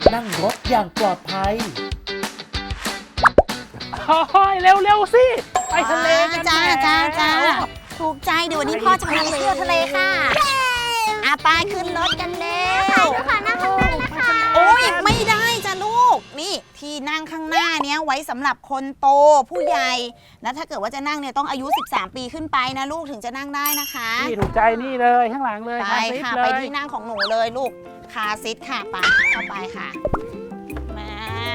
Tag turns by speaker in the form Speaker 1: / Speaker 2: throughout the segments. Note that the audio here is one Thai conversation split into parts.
Speaker 1: นั่งรถอย่างปลอดภัย
Speaker 2: โอ้ยเร็วๆสิไปทะเลกัน
Speaker 3: จ้าถูกใจเดี๋ยววันนี้พ่อจะพาไปเที่ยวทะเลค่ะไปขึ้นรถกันแล้วค่ะนั่งข้างหน้านะคะโอ้ยไม่ได้จ้ะลูกนี่ที่นั่งข้างหน้าเนี้ยไว้สำหรับคนโตผู้ใหญ่แล้วถ้าเกิดว่าจะนั่งเนี่ยต้องอายุ13 ปีขึ้นไปนะลูกถึงจะนั่งได้นะคะ
Speaker 2: นี่ถูกใจนี่เลยข้างหลังเลย
Speaker 3: ไปค่ะไปที่นั่งของหนูเลยลูกคาร์ซีทค่ะไปเข้าไปค่ะมา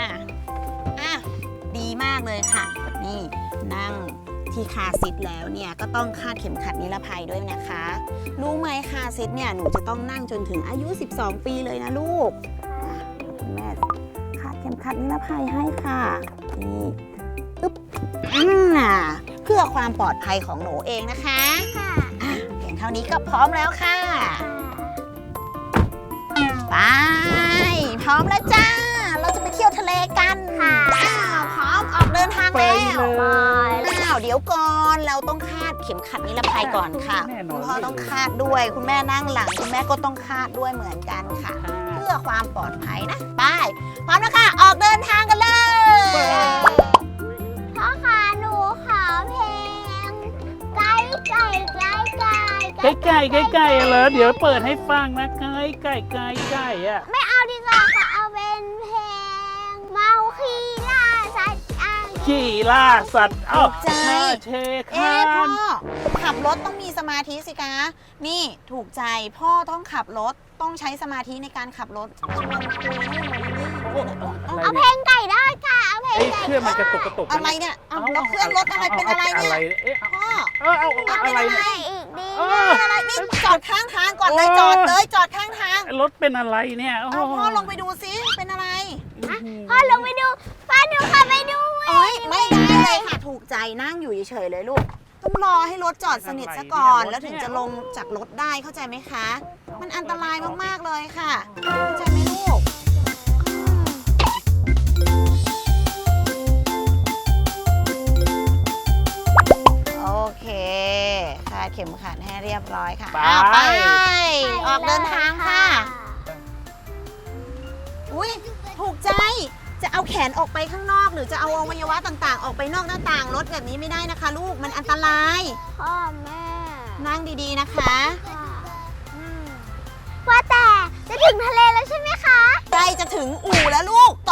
Speaker 3: ดีมากเลยค่ะนี่นั่งที่คาร์ซีทแล้วเนี่ยก็ต้องคาดเข็มขัดนิรภัยด้วยนะคะรู้ไหมคาร์ซีทเนี่ยหนูจะต้องนั่งจนถึงอายุ12 ปีเลยนะลูกคุณแม่คาดเข็มขัดนิรภัยให้ค่ะนี่อึ๊บเพื่อความปลอดภัยของหนูเองนะคะเพียงเท่านี้ก็พร้อมแล้วค่ะไปพร้อมแล้วจ้าเราจะไปเที่ยวทะเลกันค่ะพร้อมออกเดินทางแล้วเดี๋ยวก่อนเราต้องคาดเข็มขัดนิรภัยก่อนค่ะคุณพ่อต้องคาดด้วยคุณแม่นั่งหลังคุณแม่ก็ต้องคาดด้วยเหมือนกันค่ะเพื่อความปลอดภัยนะไปพร้อมแล้วค่ะออกเดินทางกันเลยพ่อค่ะหนูขอเพลงไก่ไก่ไก่ไก่
Speaker 2: ไก่เหรอเดี๋ยวเปิดให้ฟังนะไก่อะ
Speaker 4: ไม่เอาดีกว่าค่ะเอาเป็นเพลงเมาคีล่าสัตว์
Speaker 2: ขี่ล่าสัตว์
Speaker 3: ใจ
Speaker 2: เชคา
Speaker 3: พ่อขับรถต้องมีสมาธิสิคะนี่ถูกใจพ่อต้องขับรถต้องใช้สมาธิในการขับรถ
Speaker 4: เอาเพลงไก่ได้ค่ะเอาเพลงไก่
Speaker 2: เครื่องมันกระตุก
Speaker 3: อะไรเนี่ยแล้วเครื่องรถอะไรเป็นอะไรเนี่ยพ่อ
Speaker 2: เอาอะไรเนี่ย
Speaker 4: อีกดี
Speaker 3: อะไรนี่จอดข้างทางก่อนเลยจอดข้างทาง
Speaker 2: รถเป็นอะไรเนี่ย
Speaker 3: พ่อลงไปดูซิเป็นอะไร
Speaker 4: พ่อลงไปดูพ่อหนูค่ะไปดู
Speaker 3: ไม่ได้เลยค่ะถูกใจนั่งอยู่เฉยๆเลยลูกต้องรอให้รถจอดสนิทซะก่อนแล้วถึงจะลงจากรถได้เข้าใจไหมคะมันอันตรายมากๆเลยค่ะเข้าใจไหมลูกโอเคคาดเข็มขัดให้เรียบร้อยค่ะไปออกเดินทางค่ะอุ้ยถูกใจจะเอาแขนออกไปข้างนอกหรือจะเอาอวัยวะต่างๆออกไปนอกหน้าต่างรถแบบนี้ไม่ได้นะคะลูกมันอันตราย
Speaker 4: พ่อแม่
Speaker 3: นั่งดีๆนะคะ
Speaker 4: ว่าแต่จะถึงทะเลแล้วใช่ไหมคะ
Speaker 3: ใกล้จะถึงอู่แล้วลูก